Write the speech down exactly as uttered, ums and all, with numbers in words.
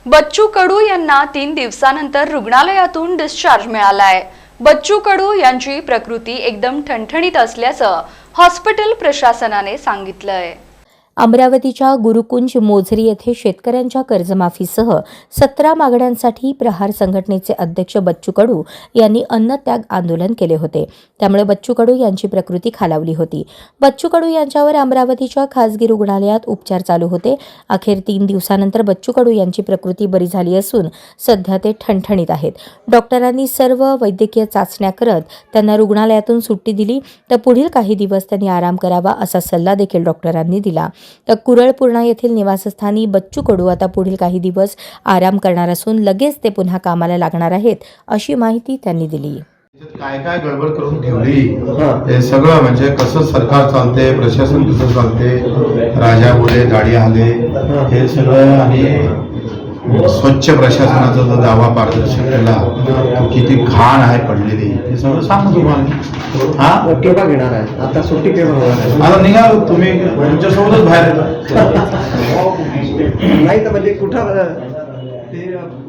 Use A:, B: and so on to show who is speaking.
A: बच्चू कडू यांना तीन दिवसानंतर रुग्णालयातून डिस्चार्ज मिळालाय। बच्चू कडू यांची प्रकृती एकदम ठणठणीत असल्याचं हॉस्पिटल प्रशासनाने सांगितलंय।
B: अमरावतीच्या गुरुकुंज मोझरी येथे शेतकऱ्यांच्या कर्जमाफीसह सतरा मागण्यांसाठी प्रहार संघटनेचे अध्यक्ष बच्चू कडू यांनी अन्नत्याग आंदोलन केले होते। त्यामुळे बच्चू कडू यांची प्रकृती खालावली होती। बच्चू कडू यांच्यावर अमरावतीच्या खासगी रुग्णालयात उपचार चालू होते। अखेर तीन दिवसानंतर बच्चू कडू यांची प्रकृती बरी झाली असून सध्या ते ठणठणीत आहेत। डॉक्टरांनी सर्व वैद्यकीय चाचण्या करत त्यांना रुग्णालयातून सुट्टी दिली, तर पुढील काही दिवस त्यांनी आराम करावा असा सल्ला देखील डॉक्टरांनी दिला। तर कुरळपूर्णा येथील निवासस्थानी बच्चू कडू आता पुढील काही दिवस आराम करणार असून लगेच ते पुन्हा कामाला लागणार आहेत अशी माहिती त्यांनी दिली।
C: काय काय गडबड करून ठेवली हे सगळं म्हणजे कसं सरकार चालते, प्रशासन कसं चालते, राजा बोले गाडी आले हे सगळं, आणि स्वच्छ प्रशासनाचा जो दावा पारदर्शक केला तो किती घाण आहे पडलेली हे सगळं सांगू तुम्हाला। हा
D: केव्हा घेणार आहे आता सुट्टी केव्हा होणार आहे?
C: आता निघालो तुम्ही तुमच्यासोबतच बाहेर येतो
D: नाही तर म्हणजे कुठं ते